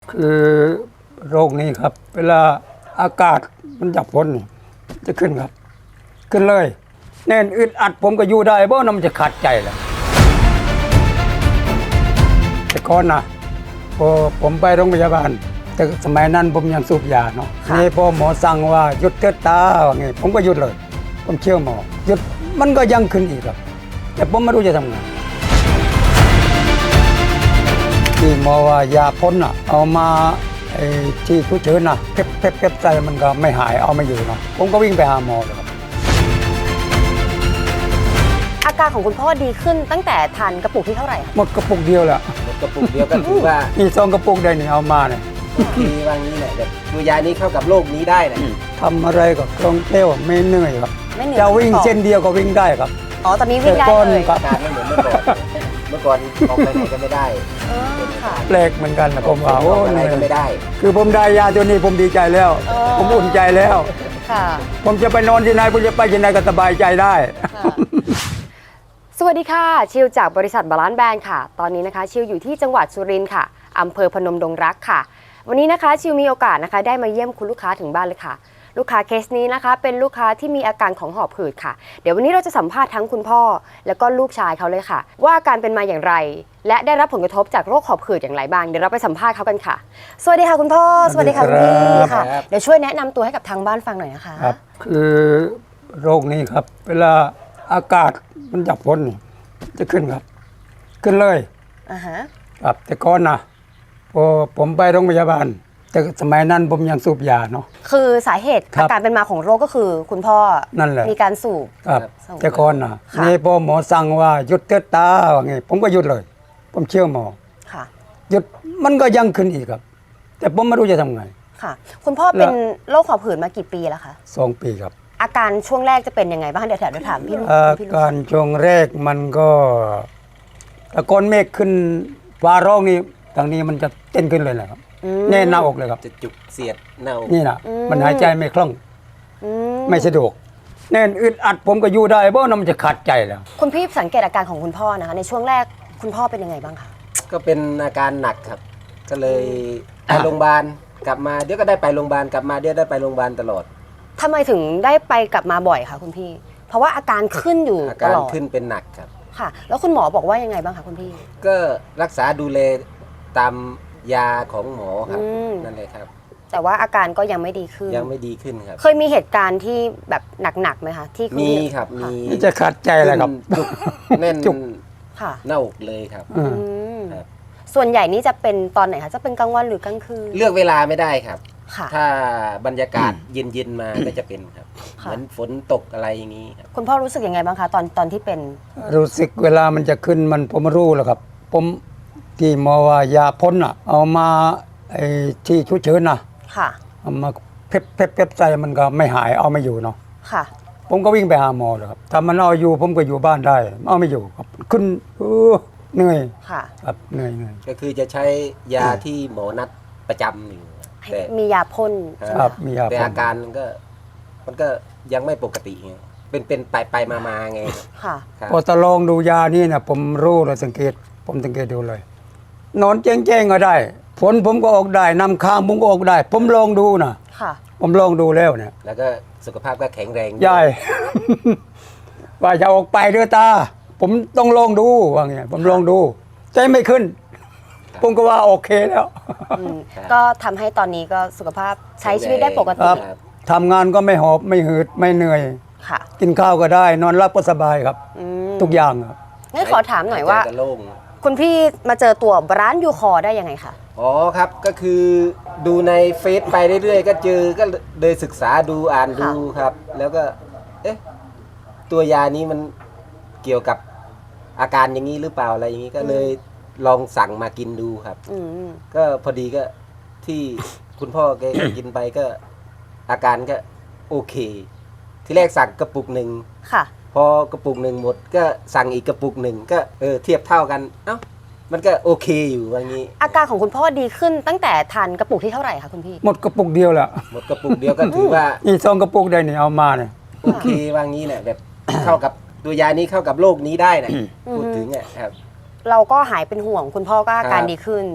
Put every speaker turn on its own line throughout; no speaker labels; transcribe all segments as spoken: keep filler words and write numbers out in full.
คือโรคนี้ครับ เวลาอากาศมันจับพ้นนี่จะขึ้นครับ ขึ้นเลยแน่นอึดอัดผมก็อยู่ได้เพราะน้ำมันจะขาดใจแหละแต่ก่อนนะพอผมไปโรงพยาบาลแต่สมัยนั้นผมยังสูบยาเนาะนี่พอหมอสั่งว่าหยุดเถิดตาว่าไงผมก็หยุดเลย ผมเชื่อหมอหยุดมันก็ยังขึ้นอีกครับ แต่ผมไม่รู้จะทำไงที่หมอว่ายาพ่นอ่ะเอามาไอ้ที่ผู้เชิญน่ะเพ็บเพ็บเพ็บใจมันก็ไม่หายเอาไม่อยู่เนาะผมก็วิ่งไปหาหมอเลยครับ
อาการของคุณพ่อดีขึ้นตั้งแต่ทานกระปุกที่เท่าไหร่คะ
หมดกระปุกเดียวแหละ
หมดกระปุกเดียวก็ถือว่า
มีซองกระปุกได้นี่เอามาเนี่ย
ดีว่างี้แหละแบบตัวยานี้เข้ากับโรคนี้ได้แหละ
ทำอะไรก็คล่องแคล่วไม่เหนื่อยครับ
ไม่เหนื่อย
จะวิ่งเส้นเดียวก็วิ่งได้ครับ
อ๋อตอนนี้วิ่งได้
แต่ก่อน
เลย
ครับ
อาการไม่เหมือนเมื่อก่อน เมื่อก่อนออกไปไหนก็ไม่ได้
เออค่ะ
แปลกเหมือนกันนะผมว่า
อ
โอ้
อกไปไห
เห
น
นื่อย
ก็ไม่ได้
คือผมได้ยาตัวนี้ผมดีใจแล้ว
อ๋อ
ผมอุ่นใจแล้ว
ค่ะ
ผมจะไปนอนที่ไหนผมจะไปที่ไหนก็สบายใจได้
ค่ะสวัสดีค่ะชิวจากบริษัทบาลานซ์แบรนด์ค่ะ ตอนนี้นะคะชิวอยู่ที่จังหวัดสุรินทร์ค่ะอำเภอพนมดงรักค่ะ วันนี้นะคะชิวมีโอกาสนะคะได้มาเยี่ยมคุณลูกค้าถึงบ้านเลยค่ะ ลูกค้าเคสนี้นะคะเป็นลูกค้าที่มีอาการของหอบหืดค่ะ เดี๋ยววันนี้เราจะสัมภาษณ์ทั้งคุณพ่อ แล้วก็ลูกชายเขาเลยค่ะ ว่าอาการเป็นมาอย่างไร และได้รับผลกระทบจากโรคหอบหืดอย่างไรบ้างเดี๋ยวเราไปสัมภาษณ์เขากันค่ะ สวัสดีค่ะคุณพ่อสวัสดีค่ะคุณพี่ค่ะ
ครับ
เดี๋ยวช่วยแนะนำตัวให้กับทางบ้านฟังหน่อยนะคะ
ครับ คือโรคนี้ครับ เวลาอากาศมันจับพ้นนี่จะขึ้นครับ ขึ้นเลย
อ่าฮะ
ครับแต่ก่อนนะพอผมไปโรงพยาบาลแต่สมัยนั้นผมยังสูบยาเนาะ
คือสาเหตุ
ครับ
อาการเป็นมาของโรคก็คือคุณพ่อ
นั่นแหละ
มีการสูบ
ครับ
ส่ง
แต่ก่อนนะ
ค่ะ
นี่พอหมอสั่งว่าหยุดเถิดตาว่าไงผมก็หยุดเลย ผมเชื่อหมอ
ค่ะ
หยุดมันก็ยังขึ้นอีกครับ แต่ผมไม่รู้จะทำไง
ค่ะ คุณพ่อเป็นโรคหอบหืดมากี่ปีแล้วคะ
สองปีครับ
อาการช่วงแรกจะเป็นยังไงบ้างเดี๋ยวเดี๋ยวถามพี่ลูก
อา
พี่ลูก
การช่วงแรกมันก็ตะกอนเมฆขึ้นฟ้าร้องนี่ทางนี้มันจะเต้นขึ้นเลยนะครับ
อืม
แน่นหน้าอกเลยครับ
จะจุกเสียดเน่า
นี่นะ
อืม
มันหายใจไม่คล่อง
อืม
ไม่สะดวก แน่นอึดอัดผมก็อยู่ได้เพราะน้ำมันจะขาดใจแล้ว
คุณพี่สังเกตอาการของคุณพ่อนะคะ ในช่วงแรกคุณพ่อเป็นยังไงบ้างคะ
ก็เป็นอาการหนักครับ ก็เลยไป
อ่ะ
โรงพยาบาลกลับมาเดี๋ยวก็ได้ไปโรงพยาบาลกลับมาเดี๋ยวได้ไปโรงพยาบาลตลอด
ทำไมถึงได้ไปกลับมาบ่อยคะคุณพี่ เพราะว่าอาการขึ้นอยู่
อา
ต
การ
ลอด
ขึ้นเป็นหนักครับ
ค่ะ แล้วคุณหมอบอกว่ายังไงบ้างคะคุณพี่
ก็รักษาดูแลตามยาของหมอครับ
อืม
นั่นเลยครับ
แต่ว่าอาการก็ยังไม่ดีขึ้น
ยังไม่ดีขึ้นครับ
เคยมีเหตุการณ์ที่แบบหนักๆไหมคะที่ณ
มีครับมี
นี่จะขาดใจเลยครับ
จุกแน่น
จุก
ค่ะ
หน้าอกเลยครับ
อืม
อืม
ครับ
ส่วนใหญ่นี่จะเป็นตอนไหนคะจะเป็นกลางวันหรือกลางคืน
เลือกเวลาไม่ได้ครับ
ค่ะ
ถ้าบรรยากาศเย็นๆมาก็จะเป็นครับ
ค่ะ
เหมือนฝนตกอะไรอย่างนี้ครับ
คุณพ่อรู้สึกยังไงบ้างคะตอนตอนที่เป็น
รู้สึกเวลามันจะขึ้นมันผมรู้แล้วครับ ผมที่หมอว่ายาพ่นอ่ะ เอามาไอ้ที่ชุเชิญน่ะ
ค่ะ
เอามาเพ็บเพ็บเพ็บใจมันก็ไม่หายเอาไม่อยู่เนาะ
ค่ะ
ผมก็วิ่งไปหาหมอเลยครับถ้ามันเอาอยู่ผมก็อยู่บ้านได้ เอาไม่อยู่ครับขึ้นเออเหนื่อย
ค่ะ
ครับเหนื่อยเหนื่อย
ก็คือจะใช้ยาที่หมอนัดประจำอยู่แต่
มียาพ่นใช่ไห
ค
ม
รับ
คะ
มียา
แต่
พ่
อาน การมันก็มันก็ยังไม่ปกติไงเป็นเป็นไปไปมามาไง
ค่ะ
ครับ
พอตะลองดูยานี่นะผมรู้เลยสังเกต ผมสังเกตดูเลย นอนแจ้งๆก็ได้ฝนผมก็ออกได้นำค้างผมก็ออกได้ ผมลองดูนะ
ค่ะ
ผมลองดูแล้วเนี่ย
แล้วก็สุขภาพก็แข็งแรง
ยาย ว่าจะออกไปเดือตา ผมต้องลองดูว่าไงผมลองดู ใจไม่ขึ้น ผมก็ว่าโอเคแล้ว
อืมก็ทำให้ตอนนี้ก็สุขภาพใช้ชีวิตได้ปก
ค
ติ
รับทำงานก็ไม่หอบไม่หืดไม่เหนื่อย
ค่ะ
กินข้าวก็ได้ นอนหลับก็สบายครับ
อืม
ทุกอย่างครับ
งั้นขอถามหน่อยว่า
ใจก็โล่ง
คุณพี่มาเจอตัวร้านยูคอได้ยังไงคะ
อ๋อครับก็คือดูในเฟซไปเรื่อยๆ ก็เจอก็เลยศึกษาดูอ่านดูครับ แล้วก็ เอ๊ะ ตัวยานี้มันเกี่ยวกับอาการอย่างนี้หรือเปล่าอะไรอย่างนี้ก็เลยลองสั่งมากินดูครับ
อืม
ก็พอดีก็ที่คุณพ่อแก กินไปก็ อาการก็โอเค ที่แรกสั่งกระปุกหนึ่ง
ค่ะ
พอกระปุกหนึ่งหมด ก็สั่งอีกกระปุกหนึ่งก็เออเทียบเท่ากัน เอ้ามันก็โอเคอยู่ว่างี้
อาการของคุณพ่อดีขึ้นตั้งแต่ทานกระปุกที่เท่าไหร่คะคุณพี่
หมดกระปุกเดียวแหละ
หมดกระปุกเดียวก็ถือว่า
นี่ซองกระปุกได้นี่เอามาเนี่ย
โอเคว่างี้แหละแบบ เข้ากับตัวยานี้เข้ากับโรคนี้ได้นะพูดถึงอ่ะครับ
เราก็หายเป็นห่วง คุณพ่อก็อาการ
ครับ
ดีขึ้น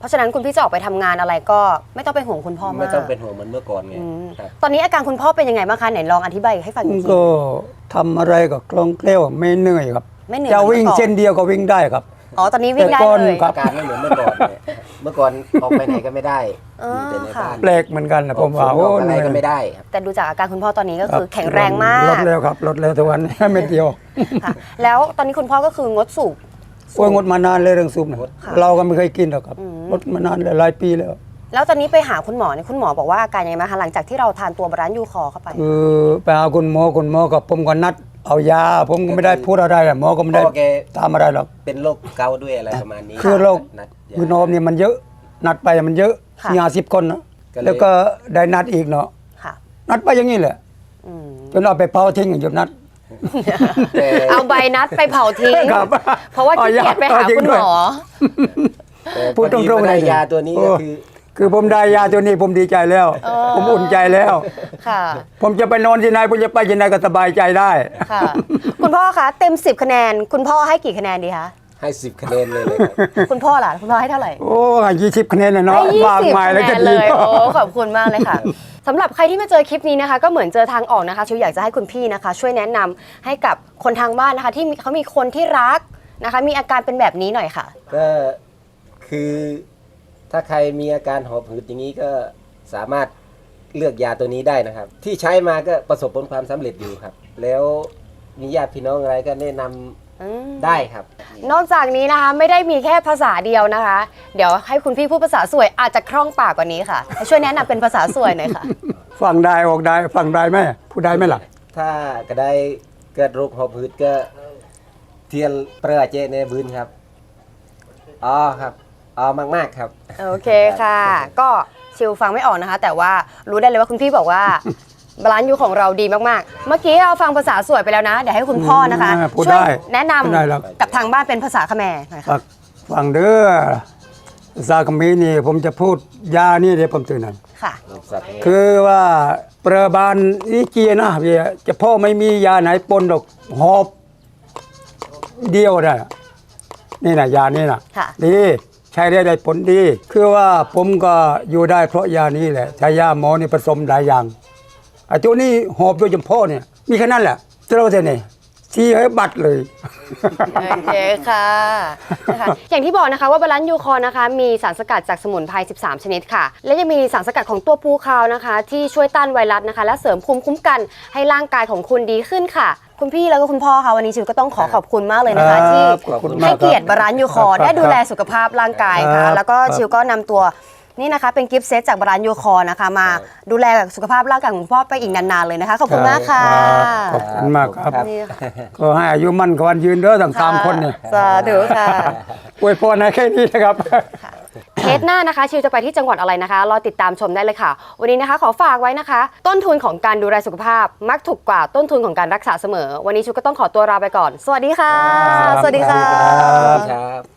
เพราะฉะนั้นคุณพี่จะออกไปทำงานอะไรก็ไม่ต้องเป็นห่วงคุณพ่อมาก
ไม่ต้องเป็นห่วงเหมือนเมื่อก่อนไง
อืม
ครับ
ตอนนี้อาการคุณพ่อเป็นยังไงบ้างคะไหนลองอธิบายให้ฟังอีกที
ก็ทำอะไรก็คล่องแคล่วไม่เหนื่อยครับ
ไม่เหนื่อย
จะวิ่ง
หมือนมื่อก่อ
เส้นเดียวก็วิ่งได้ครับ
อ๋อตอนนี้วิ่งได้
แต่ก่อน
เลย
ครับ
อาการไม่เหมือนเมื่อก่อนเนี่ยเมื่อก่อนออกไปไหนก็ไม่ได้
อ๋อ
อยู่แต่ใน
ค่ะ
บ้าน
แปลกเหมือนกันนะผมว่า
อ
โอ้
อก
เห
อะไร
นื่อย
ก็ไม่ได้ครับ
แต่ดูจากอาการคุณพ่อตอนนี้ก็
รับ
คือแข็งแรงมาก
ลดแล้วครับลดแล้วทุกวัน เม็ดเดียว
ค่ะ แล้วตอนนี้คุณพ่อก็คืองดสูบ
โอ้ยงดมานานเลยเรื่องซุปนะ
ค่ะ
เราก็ไม่เคยกินหรอกครับ
อืม
งดมานานเลยหลายปีแล้ว
แล้วตอนนี้ไปหาคุณหมอเนี่ยคุณหมอบอกว่าอาการยังไงบ้างคะหลังจากที่เราทานตัวบาลานซ์ยูคอเข้าไป
คือไปหาคุณหมอคุณหมอกับผมก็นัดเอายา ผมก็ไม่ได้พูดอะไรอะหมอก็ไม่ได้
พ่อแก
ตามอะไรหรอก
เป็นโรคเกาต์ด้วยอะไรประมาณนี้
คือโรค
นัดยา
คือนมเนี่ยมันเยอะ นัดไปมันเยอะ
ค่ะ
สี่ห้าสิบคนนะ
ก็เลย
แล้วก็ได้นัดอีกเนาะ
ค่ะ
นัดไปอย่างนี้แหละ
อืม
จนเอาไปเผาทิ้งหยุดนัด
แต่
เอาใบนัดไปเผาทิ้ง
ครับ
เพราะว่าขี้เกียจไปหา
เอาจริง
คุณ
ด้
ห
วย
มอ
แต่
พูดตรงๆ
พอมาได้
เลย
ยาตัวนี้ก็
โอ้
คือ
คือผมได้ยาตัวนี้ผมดีใจแล้ว
เออ
ผมอุ่นใจแล้ว
ค่ะ
ผมจะไปนอนที่ไหนผมจะไปที่ไหนก็สบายใจได้
ค่ะ คุณพ่อคะเต็มสิบคะแนน คุณพ่อให้กี่คะแนนดีคะ
ให้สิบคะแนนเลยเลยครับ
คุณพ่อล่ะคุณพ่อให้เท่าไหร่
โอ้ยี่สิบคะแนนเลยเนาะ
ให้ยี่
มาก
สิบ
มาย
คะ
แล้ว
แน
ก็
น
ดี
เลยโอ้ขอบคุณมากเลยค่ะสำหรับใครที่มาเจอคลิปนี้นะคะ ก็เหมือนเจอทางออกนะคะชิวอยากจะให้คุณพี่นะคะ ช่วยแนะนำให้กับคนทางบ้านนะคะ ที่มีเขามีคนที่รักนะคะ มีอาการเป็นแบบนี้หน่อยค่ะ
ก็คือถ้าใครมีอาการหอบหืดอย่างนี้ก็สามารถเลือกยาตัวนี้ได้นะครับ ที่ใช้มาก็ประสบผลความสำเร็จอยู่ครับ แล้วมีญาติพี่น้องอะไรก็แนะนำ
อืม
ได้ครับ
นอกจากนี้นะคะไม่ได้มีแค่ภาษาเดียวนะคะ เดี๋ยวให้คุณพี่พูดภาษาสวยอาจจะคล่องปากกว่านี้ค่ะให้ช่วยแนะนำเป็นภาษาสวยหน่อยค่ะ
ฟังได้ออกได้ฟังได้ไหมพูดได้ไหมล่ะ
ถ้าก็ได้เกิดโรคหอบหืดก็เทียนเปรือเจในบืนครับอ๋อครับอ๋อมากๆครับ
โอเคค่ะ ก็ชิวฟังไม่ออกนะคะ แต่ว่ารู้ได้เลยว่าคุณพี่บอกว่า บาลานซ์ยูของเราดีมากๆ เมื่อกี้เราฟังภาษาสวยไปแล้วนะ เดี๋ยวให้คุณพ่อนะคะ
อืมพูด
ช่วย
ได้
แนะน
พูดได้หรอก
ำกับทางบ้านเป็นภาษาเขมรหน่อยค่ะ
ฟังฟังเด้อซาคามีนี่ผมจะพูดยานี่เดี๋ยวผมตื่นหน่อย
ค่ะ
คือว่าประบาลอีเกียนะเวียจะพ่อไม่มียาไหนปนดอกหอบเดียวได้นี่นะยานี่นะ
ค่ะ
ดีใช้ได้ได้ผลดี คือว่าผมก็อยู่ได้เพราะยานี้แหละใช้ยาหมอนี่ผสมหลายอย่างไอ้ตัวนี้หอบโดยเฉพาะเนี่ยมีแค่นั้นแหละเจ้าเท่านี้ที่ให้บัตรเลย
โอเคค่ะนะคะอย่างที่บอกนะคะว่าบาลานซ์ยูคอนะคะมีสารสกัดจากสมุนไพรสิบสาม ชนิดค่ะ และยังมีสารสกัดของตัวปูคาวนะคะ ที่ช่วยต้านไวรัสนะคะ และเสริมภูมิคุ้มกันให้ร่างกายของคุณดีขึ้นค่ะ คุณพี่แล้วก็คุณพ่อค่ะวันนี้ชิวก็ต้องขอขอบคุณมากเลยนะคะ
ครับ
ที่
ขอบคุณมาก
ให้เกียรติบาลานซ์ยูคอ
ครับ
ได้ดูแลสุขภาพร่างกายค่ะ
ครับ
แล้วก็ชิวก็นำตัวนี่นะคะเป็นกิฟต์เซตจากบาลานซ์ยูคอนะคะมาดูแลสุขภาพร่างกายของคุณพ่อไปอีกนานๆเลยนะคะขอบคุณมากค่ะ
ขอบคุณมากครับ
นี่ค่ะ
ก็ให้อายุมั่นขวัญยืนเด้อทั้งสามคนเนี่ย
สาธุค่ะ
อวยพรให้แค่นี้นะครับ
เทสหน้านะคะชิวจะไปที่จังหวัดอะไรนะคะรอติดตามชมได้เลยค่ะ วันนี้นะคะขอฝากไว้นะคะ ต้นทุนของการดูแลสุขภาพ มักถูกกว่าต้นทุนของการรักษาเสมอ วันนี้ชิวก็ต้องขอตัวลาไปก่อน สวัสดีค่ะ
ครับ
สวัสดีค่ะ
ครับ